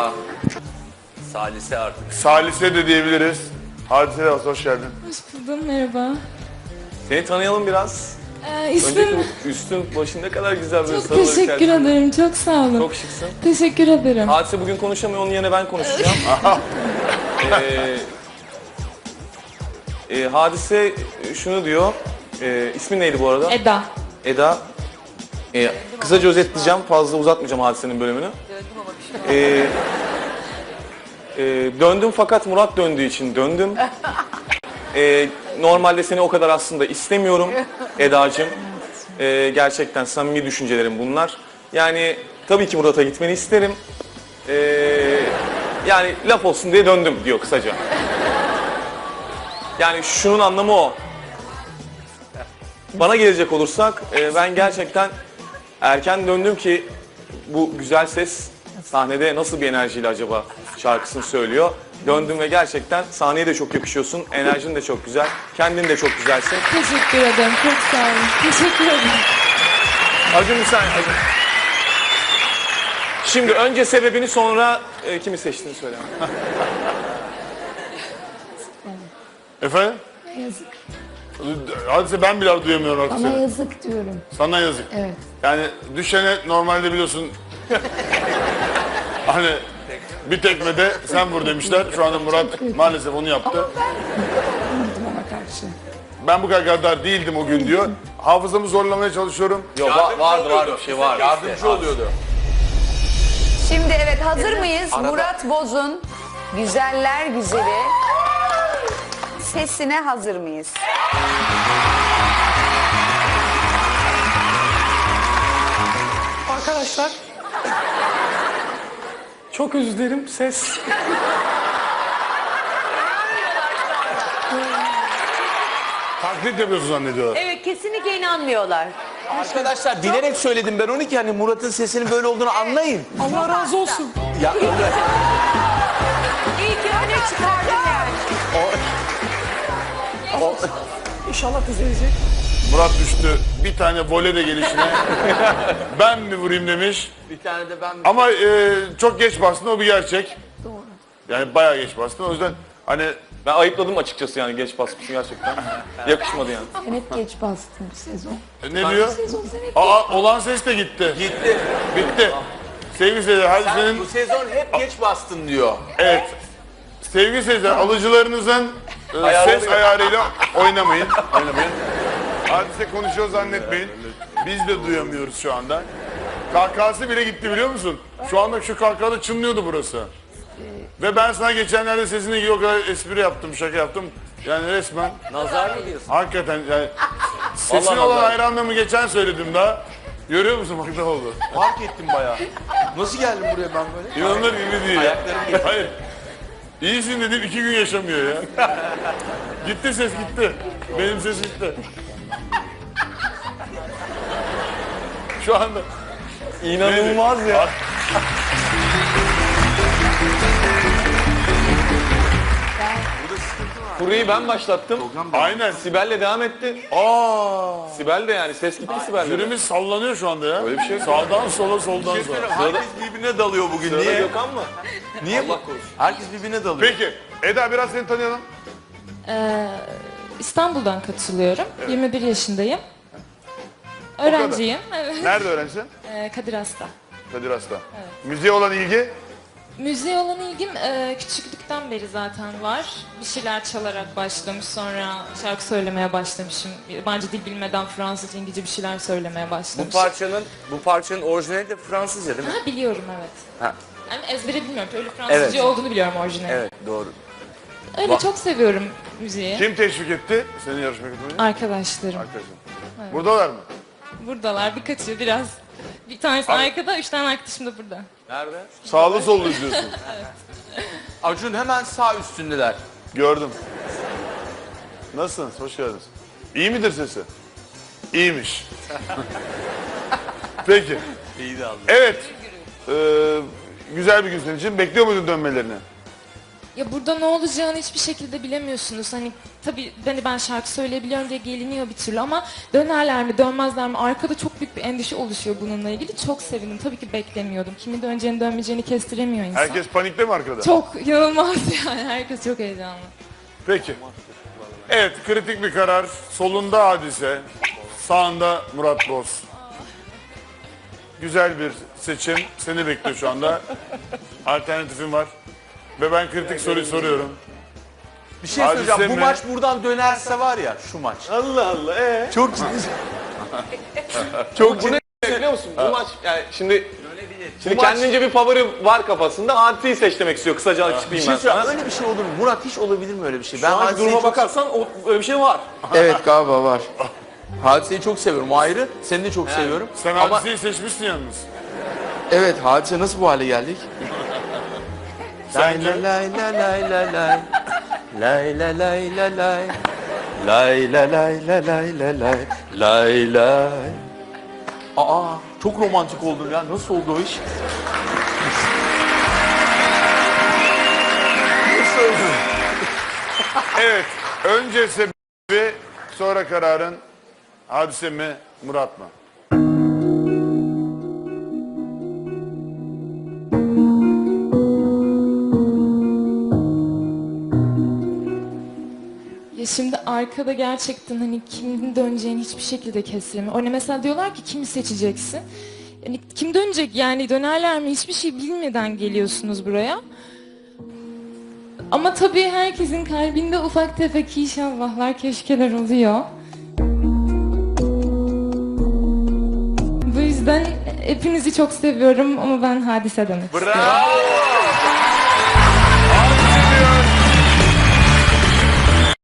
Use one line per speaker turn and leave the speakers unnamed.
Eda. Salise artık.
Salise de diyebiliriz. Hadise de hoş geldin.
Hoş buldum, merhaba.
Seni tanıyalım biraz.
İsmim...
Önceki üstün başın ne kadar güzel böyle
Çok
sarılar
teşekkür
içerisinde.
ederim, çok sağ olun.
Çok şıksın.
Teşekkür ederim.
Hadise bugün konuşamıyor, onun yerine ben konuşacağım. Hadise şunu diyor. İsmin neydi bu arada?
Eda.
Eda. Kısaca özetleyeceğim, fazla uzatmayacağım Hadise'nin bölümünü. Döndüm fakat Murat döndüğü için döndüm. Normalde seni o kadar aslında istemiyorum Eda'cığım. Gerçekten samimi düşüncelerim bunlar. Yani tabii ki Murat'a gitmeni isterim. Yani laf olsun diye döndüm diyor kısaca. Yani şunun anlamı o. Bana gelecek olursak ben gerçekten erken döndüm ki bu güzel ses sahnede nasıl bir enerjiyle acaba şarkısını söylüyor. Döndüm ve gerçekten sahneye de çok yakışıyorsun. Enerjin de çok güzel. Kendin de çok güzelsin.
Teşekkür ederim, çok sağ olun. Teşekkür ederim.
Acun bir saniye. Acun. Şimdi önce sebebini sonra kimi seçtiğini söyle.
Efendim?
Yazık.
Hadise ben bile duyamıyorum artık
Bana
seni.
yazık diyorum.
Sana yazık.
Evet.
Yani düşene normalde biliyorsun hani bir tekmede sen vur demişler. Şu anda Murat maalesef onu yaptı.
Vurdum ona karşı.
Ben bu kadar gaddar değildim o gün diyor. Hafızamı zorlamaya çalışıyorum.
Yok vardı bir şey vardı.
Yardımcı oluyordu.
Şimdi evet hazır mıyız? Murat Boz'un Güzeller Güzeli sesine hazır mıyız?
Arkadaşlar. Çok özür dilerim ses.
Taklit yapıyorsun zannediyorlar.
Evet kesinlikle inanmıyorlar.
Arkadaşlar bilerek söyledim ben onu ki hani Murat'ın sesinin böyle olduğunu anlayın.
Allah razı olsun.
Ya öyle.
İyi ki öne çıkardın yani.
İnşallah düzelecek.
Murat düştü. Bir tane voley de gelişine. Ben mi vurayım demiş.
Bir tane de ben
Ama çok geç bastın, o bir gerçek. Doğru. Yani bayağı geç bastın. O yüzden hani
Ben ayıpladım açıkçası yani geç basmışsın gerçekten. Yakışmadı yani.
Sen hep geç bastın bu sezon.
ne diyor?
Sezon sen hep
Olan ses de gitti.
gitti.
Bitti. Sevgili seyirciler, hadi
Sen
senin...
bu sezon hep geç bastın diyor.
Evet. Sevgili seyirciler, alıcılarınızın ses ayarıyla oynamayın. Hadise konuşuyor zannetmeyin. Biz de duyamıyoruz şu anda. Kahkahası bile gitti biliyor musun? Şu anda şu kahkahada çınlıyordu burası. Ve ben sana geçenlerde sesine ilgili o kadar espri yaptım, şaka yaptım. Yani resmen
Nazar mı diyorsun?
hakikaten yani sesine
Vallahi
olan
nazar.
hayranlığımı geçen söyledim daha. Görüyor musun bak ne oldu?
Fark ettim bayağı. Nasıl geldim buraya ben böyle?
İnanılır gibi değil.
Ayaklarım gitti.
Hayır. İyisin dedim 2 gün yaşamıyor ya. Gitti ses gitti. Benim ses gitti. Şu anda
İnanılmaz ya. Kuruyu ben başlattım.
aynen.
Sibel'le devam etti. Sibel de yani ses gitti Sibel'le.
Jürimiz sallanıyor şu anda ya.
Öyle bir şey yok.
Sağdan sola soldan sağa.
Herkes birbirine dalıyor bugün.
Sırada
Niye?
Gökhan mı?
Niye?
Allah korusun.
Herkes birbirine dalıyor.
Peki Eda biraz seni tanıyalım.
İstanbul'dan katılıyorum. 21 yaşındayım. Öğrenciyim. Evet.
Nerede öğrencisin?
Kadir Has'ta.
Kadir Has'ta. Müziğe olan ilgi?
Müziğe olan ilgim küçüklükten beri zaten var. Bir şeyler çalarak başlamış, sonra şarkı söylemeye başlamışım. Yabancı dil bilmeden Fransızca, İngilizce bir şeyler söylemeye başlamışım.
Bu parçanın orijinali de Fransızca değil mi?
Ha, biliyorum evet.
Ha.
Yani ezbere bilmiyorum. Öyle Fransızca
Evet.
olduğunu biliyorum orijinali.
Evet doğru.
Öyle çok seviyorum müziği.
Kim teşvik etti seni yarışmaya katılmaya?
Arkadaşlarım.
Arkadaşım. Buradalar mı?
Buradalar birkaçı biraz. Bir tanesi arkada, 3 tane arkadaşım da burada.
Nerede?
Sağlı sollu izliyorsun.
Acun hemen sağ üstündeler.
Gördüm. Nasılsınız? Hoş geldiniz. İyi midir sesi? İyiymiş. Peki.
İyi de aldı.
Evet. Güzel bir gün senin için. Bekliyor muydun dönmelerini?
Ya burada ne olacağını hiçbir şekilde bilemiyorsunuz. Hani tabii ben şarkı söyleyebiliyorum diye geliniyor bir türlü ama dönerler mi dönmezler mi? Arkada çok büyük bir endişe oluşuyor bununla ilgili. Çok sevindim. Tabii ki beklemiyordum. Kimin döneceğini dönmeyeceğini kestiremiyor insan.
Herkes panikte mi arkada?
Çok inanılmaz yani. Herkes çok heyecanlı.
Peki. Evet, kritik bir karar. Solunda Hadise, sağında Murat Boz. Güzel bir seçim. Seni bekliyor şu anda. Alternatifin var. Ve ben kritik soruyu soruyorum.
Bir şey
Hadise
söyleyeceğim. Bu
mi?
maç buradan dönerse var ya şu maç.
Allah Allah.
Çok ciddi.
Çok ciddi. Biliyor musun? Bu maç yani şimdi kendince bir favori var kafasında. Hadise'yi seç demek istiyor. Kısaca
Bir
açıklayayım
şey
ben
söyleyeceğim.
sana.
Öyle bir şey olur mu? Murat hiç olabilir mi öyle bir şey?
Şu anki
Hadise'yi
duruma
çok-
bakarsan öyle bir şey var.
Evet galiba var. Hadise'yi çok seviyorum o ayrı. Seni de çok seviyorum.
Sen
Ama
Hadise'yi seçmişsin yalnız.
evet Hadise nasıl bu hale geldik?
Sence?
Lay lay lay lay lay. Lay lay lay lay lay. Lay lay lay lay lay lay lay. Lay lay. Aa çok romantik oldum ya. Nasıl oldu o iş? Nasıl oldu?
Evet, önce sebebi, sonra kararın Hadise mi, Murat mı?
Ya şimdi arkada gerçekten hani kimin döneceğini hiçbir şekilde kestiremiyor. Hani mesela diyorlar ki kimi seçeceksin? Yani kim dönecek yani dönerler mi hiçbir şey bilmeden geliyorsunuz buraya. Ama tabii herkesin kalbinde ufak tefek inşallahlar keşkeler oluyor. Bu yüzden hepinizi çok seviyorum ama ben Hadise demek istiyorum.
Bravo!